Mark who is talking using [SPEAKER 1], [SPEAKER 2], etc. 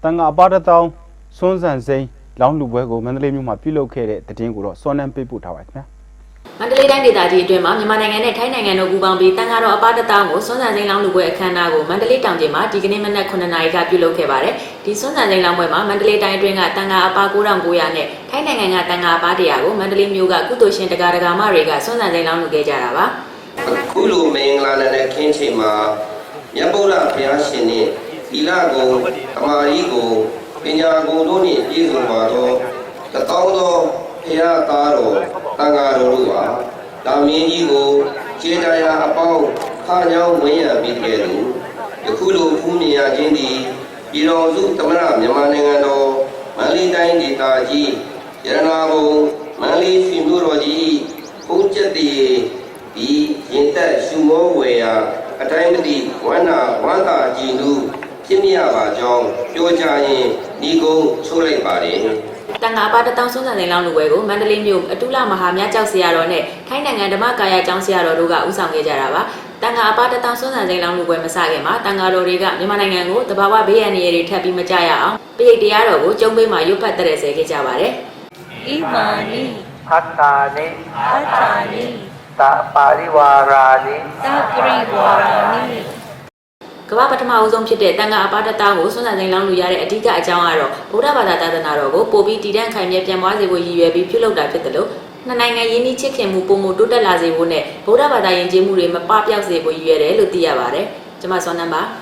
[SPEAKER 1] တန်ခါအပါတတောင်းစွန်းစံစိမ်းလောင်းလူပွဲကိုမန္တလေးမြို့မှာပြုလုပ်ခဲ့တဲ့တည်င်းကိုတော့စောနန်းပေးပို့ထားပါခင်ဗျာ
[SPEAKER 2] မန္တလေးတိုင်းဒေသကြီးအတွင်းမှာမြန်မာနိုင်ငံနဲ့ထိုင်းနိုင်ငံတို့ပူးပေါင်းပြီးတန်ခါတော်အပါတတောင်းကိုစွန်းစံစိမ်းလောင်းလူပွဲအခမ်းအနားကိုမန္တလေးတောင်ကျင်းမှာဒီကနေ့မနက်9:00 နာရီကပြုလုပ်ခဲ့ပါတယ်ဒီစွန်းစံစိမ်းလောင်းပွဲမှာမန္တလေးတိုင်းအတွင်းကတန်ခါအပါ9900နဲ့ထိုင်းနိုင်ငံကတန်ခါအပါ100ကိုမန္တလေးမြို့ကကုသိုလ်ရှင်တရားဒဂါမတွေကစွန်းစံစိမ်းလောင်းလူခဲ့ကြတာပါ
[SPEAKER 3] အခုလိုမင်္ဂလာနဲ့ခင်းချိန်မှာမြတ်ဗုဒ္ဓဘုရားရှင်နဲ့သီလကုံသမာဓိကုံပညာကုံတို့နှင့်ပြည့်စုံပါသောတသောသောဘုရားသားတော်တန်ဃာတော်တို့ဟာတာမင်းကြီးကိုခြေတရားအပေါင်းခါညောင်းဝင်ရပြီးခဲ့သူယခုလိုဖူးမြင်ရခြင်းသည်ပြည်တော်စုသမရမြန်မာနိုင်ငံတော်မန္တလေးတိုင်းဒေသကြီးရတနာဘုံမန္တလေးရှင်မြို့တော်ကြီးဘုန်းကျက်တည်ဒီရင်သက်ရှုမောဝေရာအတိုင်းမတိဝန္တာကြည်နုဖြစ်မြပါကြောင်းပြောကြရင်ဤကုန်းချိုးလိုက်ပါတယ်
[SPEAKER 2] တန်ခါပါတတောင်းစွန်းစံစိမ်းလောင်းလူပွဲကိုမန္တလေးမြို့အတူလမဟာမြတ်ကျောက်ဆရာတော်နဲ့ထိုင်းနိုင်ငံဓမ္မကာယကျောင်းဆရာတော်တို့ကဦးဆောင်ခဲ့ကြတာပါတန်ခါပါတတောင်းစွန်းစံစိမ်းလောင်းလူပွဲမစခင်မှာတန်ခါတော်တွေကမြန်မာနိုင်ငံကိုတဘာဝဘေးရန်တွေထပ်ပြီးမကြရအောင်ပိဋိတရားတော်ကိုကျုံးပေးမှာရွတ်ဖတ်တဲ့ဆဲခဲ့ကြပါတယ်
[SPEAKER 4] ဣမာနိ
[SPEAKER 5] ဟတ္တာနိ
[SPEAKER 4] ဟတ္တာနိ
[SPEAKER 5] သပါရိဝါရာနိ
[SPEAKER 4] သပရိဝါရာနိ
[SPEAKER 2] ကမ္ဘာပထမအဦးဆုံးဖြစ်တဲ့တန်ခါအပါတတောင်းကိုစွန်းစံစိမ်းလောင်းလူရတဲ့အဓိကအကြောင်းကတော့ဗုဒ္ဓဘာသာသာသနာတော်ကိုပို့ပြီးတည်တံ့ခိုင်မြဲပြန်ပွားစေဖို့ရည်ရွယ်ပြီးပြုလုပ်တာဖြစ်တယ်လို့နှစ်နိုင်ငံယင်းနှီးချစ်ခင်မှုပုံမှုတိုးတက်လာစေဖို့နဲ့ဗုဒ္ဓဘာသာယဉ်ကျေးမှုတွေမပပျောက်စေဖို့ရည်ရွယ်တယ်လို့သိရပါတယ်။ကျွန်မစောနန်းပါ။